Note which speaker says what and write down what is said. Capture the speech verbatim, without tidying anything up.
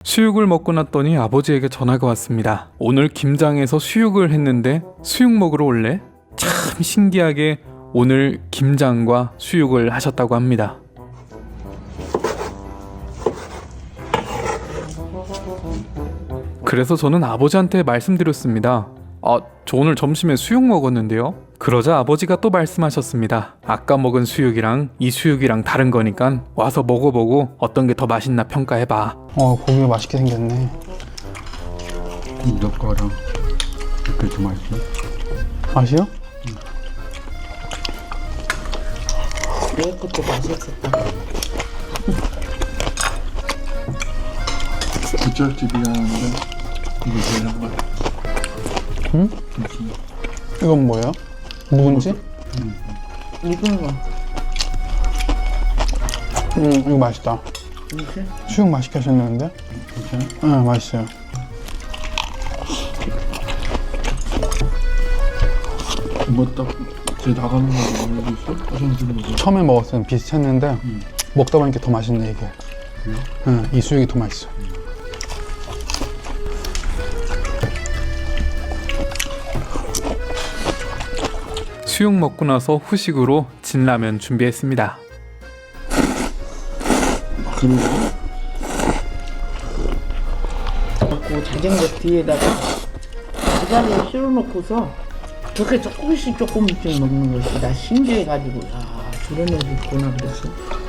Speaker 1: 수육을 먹고 났더니 아버지에게 전화가 왔습니다. 오늘 김장에서 수육을 했는데 수육 먹으러 올래? 참 신기하게 오늘 김장과 수육을 하셨다고 합니다. 그래서 저는 아버지한테 말씀드렸습니다. 아, 저 오늘 점심에 수육 먹었는데요. 그러자 아버지가 또 말씀하셨습니다. 아까 먹은 수육이랑 이 수육이랑 다른 거니까 와서 먹어보고 어떤 게 더 맛있나 평가해봐.
Speaker 2: 어, 고기가 맛있게 생겼네.
Speaker 3: 너 거랑 그렇게 좀 맛있어?
Speaker 2: 맛이요?
Speaker 4: 내 것도 맛있었다.
Speaker 3: 부잣집이라는데 이게 제일 한 거야.
Speaker 2: 응? 이건 뭐예요? 묵은지?
Speaker 4: 익은 거.
Speaker 2: 음, 이거 맛있다.
Speaker 4: 무슨?
Speaker 2: 수육 맛있게 하셨는데?
Speaker 3: 괜찮아?
Speaker 2: 응, 맛있어요.
Speaker 3: 뭐딱제 나가는 거 알고 있어? 화장실 먹어.
Speaker 2: 처음에 먹었을 땐 비슷했는데
Speaker 3: 음.
Speaker 2: 먹다 보니까 더 맛있네 이게.
Speaker 3: 그래?
Speaker 2: 응, 이 수육이 더 맛있어.
Speaker 1: 수육 먹고 나서 후식으로 진라면 준비했습니다.
Speaker 3: 그러고
Speaker 4: 갖고 자전거 뒤에다가 부자리에 실어놓고서 그렇게 조금씩 조금씩 먹는 것이 나 신기해가지고 야 저런 애도 있구나 그랬어.